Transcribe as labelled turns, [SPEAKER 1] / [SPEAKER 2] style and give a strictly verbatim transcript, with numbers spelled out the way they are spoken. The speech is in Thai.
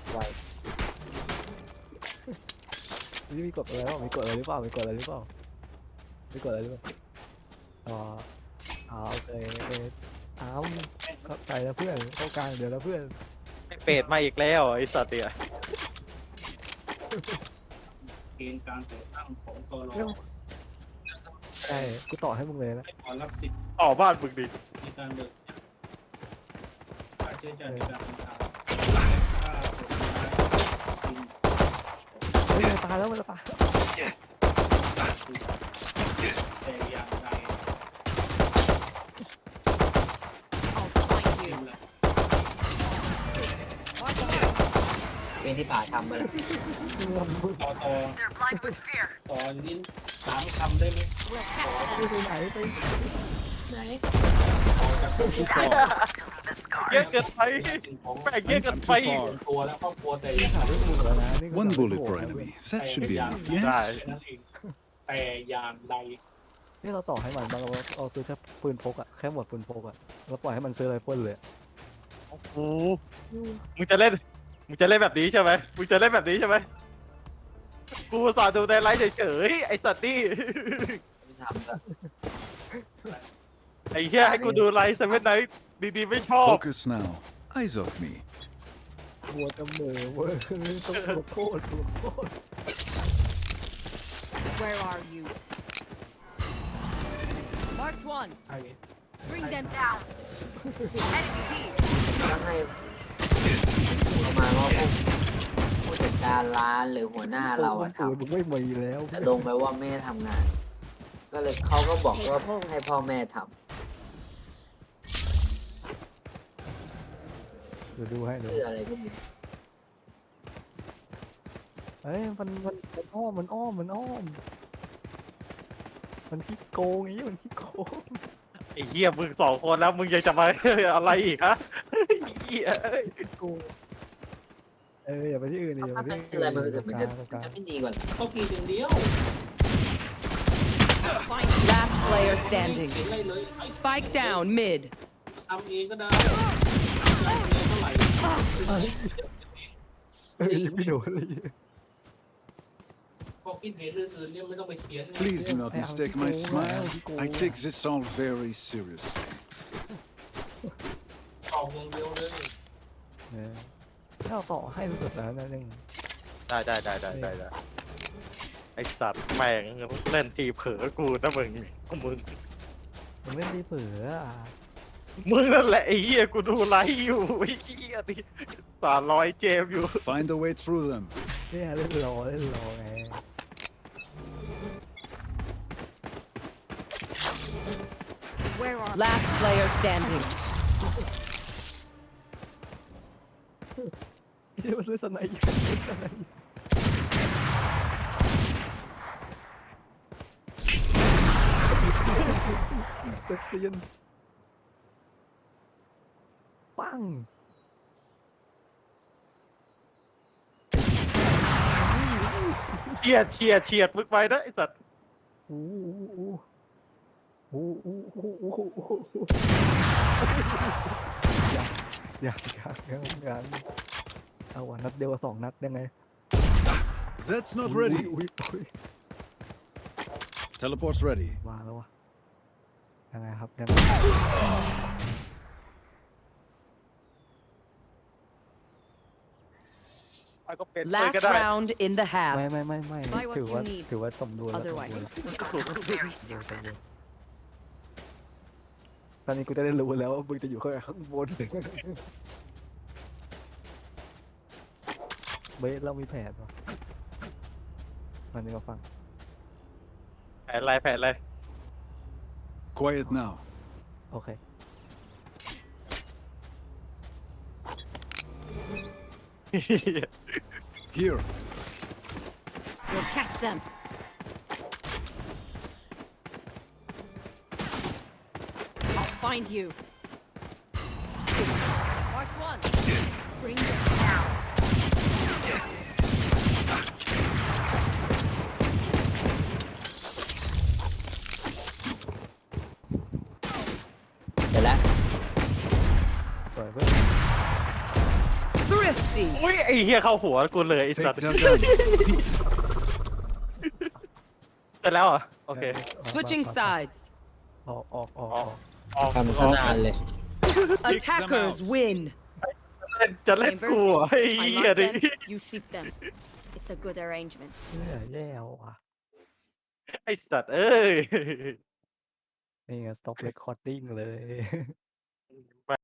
[SPEAKER 1] ไว
[SPEAKER 2] นี่มีกดอะไรบ้างมีกดอะไรหรือเปล่ามีกดอะไรหรือเปล่ามีกดอะไรหรือเปล่าอ๋ออ๋อโอเคโอเคอ้าวเข้าใจแล้วเพื่อนเข้ากลางเดี๋ยวแล้วเพื่อน
[SPEAKER 3] ไอ้เป็ดมาอีกแล้วไอ้สัตว์เนี่ย
[SPEAKER 4] เกณฑ์การแต่งตั้งของตร
[SPEAKER 2] ใช่กูต่อให้มึงเลยนะ
[SPEAKER 4] ให้ขอรับสิทธิ์
[SPEAKER 3] ต่อบ้านมึงดิ
[SPEAKER 4] ในการเบิกค่าใช้จ่ายในการเดินทางและค่าผลไม้กิน
[SPEAKER 2] เฮ้ยมันจะตายแล้วมันจะตาย
[SPEAKER 4] แต่อย่างใด
[SPEAKER 5] I'll find
[SPEAKER 4] เก
[SPEAKER 5] you.
[SPEAKER 4] มละ
[SPEAKER 5] Watch out.
[SPEAKER 1] เป็นที่ป่าทำมาแล้ว
[SPEAKER 4] ต่อต่อต่อลิ้นสามคำได้ไหม
[SPEAKER 5] We'll catch
[SPEAKER 2] ไป
[SPEAKER 5] them.
[SPEAKER 2] ไหนไป
[SPEAKER 5] Nice.
[SPEAKER 4] ต่อจากคนที่สอง
[SPEAKER 3] เยอะเกินไป
[SPEAKER 4] ของ
[SPEAKER 3] แม่งเยอะเกินไป
[SPEAKER 4] ส่วนตัวและครอบครัวแต่อย่าง
[SPEAKER 2] หาเรื่องมึงแล้วนะนี่ก็
[SPEAKER 6] One
[SPEAKER 2] แบบ
[SPEAKER 6] bullet
[SPEAKER 2] โอ้โห
[SPEAKER 6] per enemy. That should be enough,
[SPEAKER 3] ได้
[SPEAKER 6] yes?
[SPEAKER 4] แค่นั้นเองแต่อย่างใด
[SPEAKER 2] นี่เราต่อให้มันบางเราเอาซื้อแค่ปืนพกอะแค่หมดปืนพกอะแล้วปล่อยให้มันซื้อไรเฟิลเลยอะ
[SPEAKER 3] โอ้โหมึงจะเล่น มึงจะเล่นแบบนี้ใช่ไหมมึงจะเล่นแบบนี้ใช่ไหมกูอุตสาห์ดูในไลฟ์เฉยๆไอ้สัตว์นี่
[SPEAKER 1] ไม่ทำก็
[SPEAKER 3] ไอ้เหี้ยให้กูดูไลฟ์เซเว่นไนท์ดีๆไม่ชอบ
[SPEAKER 6] Focus now. Eyes off me.
[SPEAKER 2] บัวจะเหม่อเว้ยต้องขอโทษขอโทษ
[SPEAKER 5] Where are you? Marked one.
[SPEAKER 4] ใคร
[SPEAKER 5] Bring them down. Enemy B.
[SPEAKER 1] ต้องให้ประมาณว่าพวกผู้จัดการร้านหรือหัวหน้าเราอะท
[SPEAKER 2] ปืนมึงไม่มีแล้ว
[SPEAKER 1] ำแต่ลงไปว่าแม่ทำงาน ก็เลยเขาก็บอกว่าให้พ่อแม่ท
[SPEAKER 2] เดี๋ยวดูให้
[SPEAKER 1] ำ
[SPEAKER 2] ดู
[SPEAKER 1] เพื่ออะไรก็ไมี
[SPEAKER 2] เอ้ยมันมันมันอ้อมมันอ้อมมันอ้อมมันขี้โกงอย่างนี้มันขี้โกง
[SPEAKER 3] ไอ้เหี้ยมึงสองคนแล้วมึงยังจะมา อะไรอีกฮะไอ้เหี้ย
[SPEAKER 2] ขี้โกงเอออย่าไปที่อื่นดิอย่า
[SPEAKER 1] ถ้า
[SPEAKER 2] ไป
[SPEAKER 1] เป็น
[SPEAKER 2] ที่
[SPEAKER 1] อะไร
[SPEAKER 2] อื่น
[SPEAKER 1] มันจะมันจะ
[SPEAKER 2] ตรง
[SPEAKER 1] มัน
[SPEAKER 2] กลาง
[SPEAKER 1] จะไม่ดีกว่า
[SPEAKER 4] เขากินอย่างเดียว
[SPEAKER 5] Find you.
[SPEAKER 7] Last player
[SPEAKER 4] ไม่
[SPEAKER 7] standing.
[SPEAKER 4] เห็นอะไรเลยไอ้
[SPEAKER 7] Spike down mid.
[SPEAKER 4] ทำเองก็ได้เงินเท่าไหร่
[SPEAKER 2] เอ้ยไม่โดนเลย
[SPEAKER 4] พอคิดเห็นอื่นๆเนี่ยไม่ต้องไปเขียนไง
[SPEAKER 6] Please do not mistake my smile. I take this all very seriously.
[SPEAKER 4] ตอบอย่างเดียวเลย
[SPEAKER 2] เออถ้าเราต่อให้มันสุดแล้วนะนึง
[SPEAKER 3] ได้ได้ได้ได้ได้ได้ไอ้สัตว์แม่งเล่นทีเผลอกูนะมึงมึง
[SPEAKER 2] มันไม่ได้เผื่ออ่ะ
[SPEAKER 3] มึงนั่นแหละไอ้เหี้ยกูดูไลฟ์อยู่ไอ้เหี้ยดิสารลอยเจมอยู่
[SPEAKER 6] Find a way through them.
[SPEAKER 2] เนี่ยเล่นรอเล่นรอไง
[SPEAKER 5] Where are
[SPEAKER 7] Last player standing.
[SPEAKER 2] เฮ้ยมันเล่นสไนด์อยู่เล่นสไนด์อยู่เซฟเซียนปัง
[SPEAKER 3] เฉียดเฉียดเฉียดมึงไปนะไอ้สัตว์
[SPEAKER 2] อู้อู้อู้อู้อู้อู้อู้อู้อยากอยากอยากอยากเอาวะนัดเดียวกับสองนัดยังไง
[SPEAKER 6] That's not
[SPEAKER 2] อุ๊ย
[SPEAKER 6] ready.
[SPEAKER 2] อุ๊ยอุ๊ย
[SPEAKER 6] Teleport's ready.
[SPEAKER 2] มาแล้ววะยังไงครับยังไง
[SPEAKER 3] ไอ้ก็เป็นเลย
[SPEAKER 7] Last
[SPEAKER 3] ก็ได้
[SPEAKER 7] round in the
[SPEAKER 2] ไม่
[SPEAKER 7] half.
[SPEAKER 2] ไม่ไม่ไม่
[SPEAKER 5] Buy what
[SPEAKER 2] ถือว่า
[SPEAKER 5] you need.
[SPEAKER 2] ถือว่าสมดุลแล้ว
[SPEAKER 5] Otherwise.
[SPEAKER 2] สมดุลแล้วสมดุลสมดุลตอนนี้กูจะได้รู้แล้วว่ามึงจะอยู่ข้างข้างบนเบสเรามีแผนปะตอนนี้มาฟัง
[SPEAKER 3] แผนอะไรแผนอะไร
[SPEAKER 6] Quiet now.
[SPEAKER 2] โอเค
[SPEAKER 6] Here.
[SPEAKER 5] We'll catch them. I'll find you. Marked one. Bring them down.
[SPEAKER 1] เสร็จแล้ว
[SPEAKER 2] ปล่อยเพื่อน
[SPEAKER 7] Thrifty.
[SPEAKER 3] อุ้ยไอ้เหี้ยเข้าหัวกูเลยไอ้สัต
[SPEAKER 6] Take
[SPEAKER 3] ว์
[SPEAKER 6] their guns. Peace.
[SPEAKER 3] เสร็จแล้วเหรอโอเค
[SPEAKER 7] Switching sides.
[SPEAKER 2] ออกออกออก
[SPEAKER 3] อ
[SPEAKER 2] อ
[SPEAKER 3] อ
[SPEAKER 2] อก ก
[SPEAKER 3] ออก
[SPEAKER 1] ทำซะนานเลย
[SPEAKER 7] Attackers win.
[SPEAKER 3] เล่นจะเล่นกูเหรอไอ้
[SPEAKER 8] I
[SPEAKER 3] เหี้ย
[SPEAKER 8] mark
[SPEAKER 3] ดิ
[SPEAKER 8] them, you shoot them. It's a good arrangement.
[SPEAKER 2] เนี่ยแย่ว่ะ
[SPEAKER 3] ไอ้สัตว์เอ้ย
[SPEAKER 2] นี่ไง stop recording เลย